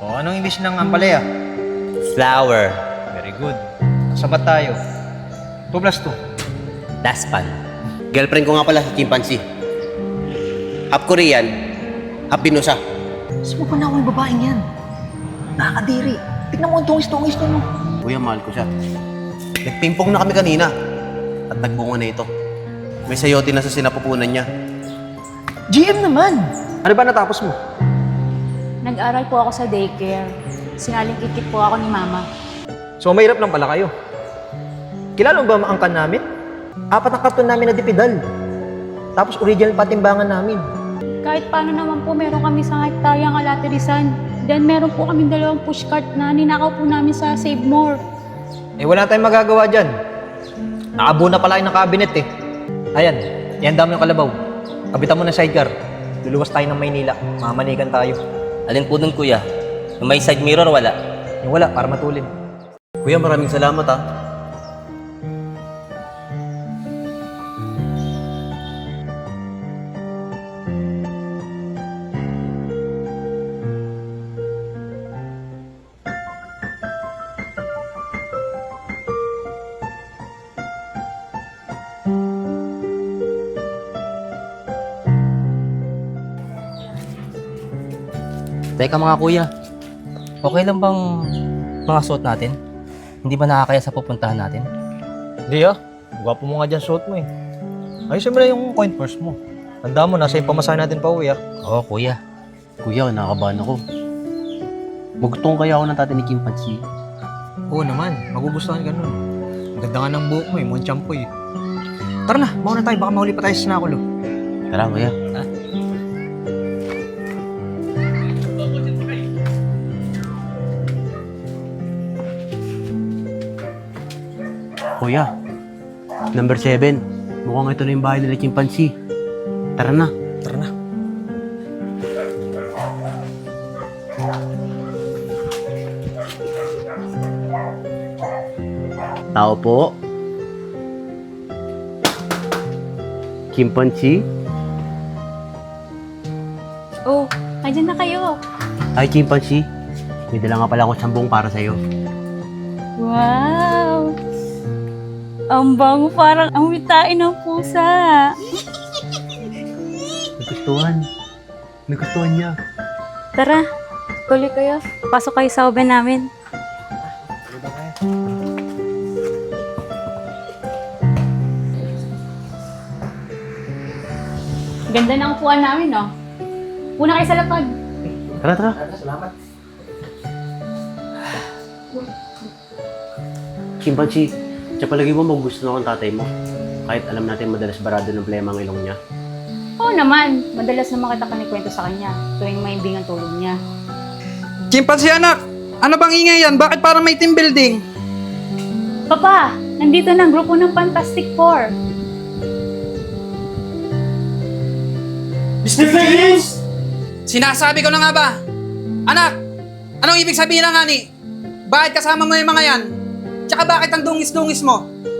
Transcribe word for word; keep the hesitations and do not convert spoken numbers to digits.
O, anong English ng ampalaya? Flower. Very good. Sabat tayo. two plus two. Daspan. Girlfriend ko nga pala si Chimpanzee. Half Korean, half Binosa. Saan mo pa na ako yung babaeng yan? Nakakadiri. Tignan mo ang tungis-tungis na mo. Kuya, mahal ko siya. Nagpimpong na kami kanina. At nagbunga na ito. May sayote na sa sinapupunan niya. G M naman! Ano ba natapos mo? Nag-aral po ako sa daycare. Sinalingkikit po ako ni mama. So mahirap lang pala kayo. Kilala mo ba ang angkan namin? Apat na karton namin na dipidal. Tapos original patimbangan namin. Kahit paano naman po, meron kami sa hektaryang alaterisan. Then meron po kaming dalawang pushcart na ninakaw po namin sa Save More. Eh wala tayong magagawa dyan. Nakabuo na pala kayo ng cabinet eh. Ayan, ihanda mo yung kalabaw. Kabitan mo ng sidecar. Luluwas tayo ng Maynila. Mamanikan tayo. Alin po dun, kuya? Yung may side mirror, wala. Yung wala, para matulin. Kuya, maraming salamat ha. Teka mga kuya, okay lang bang mga suot natin? Hindi ba nakakaya sa pupuntahan natin? Hindi ah. Gwapo mo nga dyan suot mo eh. Ayusin mo na yung coin purse mo. Tanda mo, nasa yung pamasahe natin pa uwi ah. Oo, kuya. Kuya, nakakabahan ako. Magutong kaya ako ng tatay ni Chimpanzee. Oo naman, magugustuhan ka nun. Ang ganda nga ng buhok mo eh, mukhang champoy eh. Tara na, mauna tayo, baka mahuli pa tayo sa sinakulo. Tara, kuya. Ha? Kuya, number seven. Mukhang ito na yung bahay nila Chimpanzee. Tara na. Tara na. Tao po. Chimpanzee. Oh, andyan na kayo. Hi, Chimpanzee. May dala nga pala akong sambong para sa'yo. Wow! Ang bango, parang ang witain ng pusa. Nagustuhan. Nagustuhan niya. Tara, tuloy kayo. Pasok kayo sa oven namin. Ganda ng upuan namin, no? Una kayo sa lapag. Tara, tara. Chimpanzee, sa palagi mo magugusto na akong tatay mo. Kahit alam natin madalas barado ng plema ang ilong niya. Oo naman, madalas na makita ka ni kwento sa kanya tuwing may bingang tulog niya. Chimpanzee anak, ano bang ingay yan? Bakit parang may team building? Papa, nandito na ang grupo ng Fantastic Four. mister Phillips! Sinasabi ko na nga ba? Anak, anong ibig sabihin ng ani? Bakit kasama mo yung mga yan? Tsaka bakit ang dungis-dungis mo?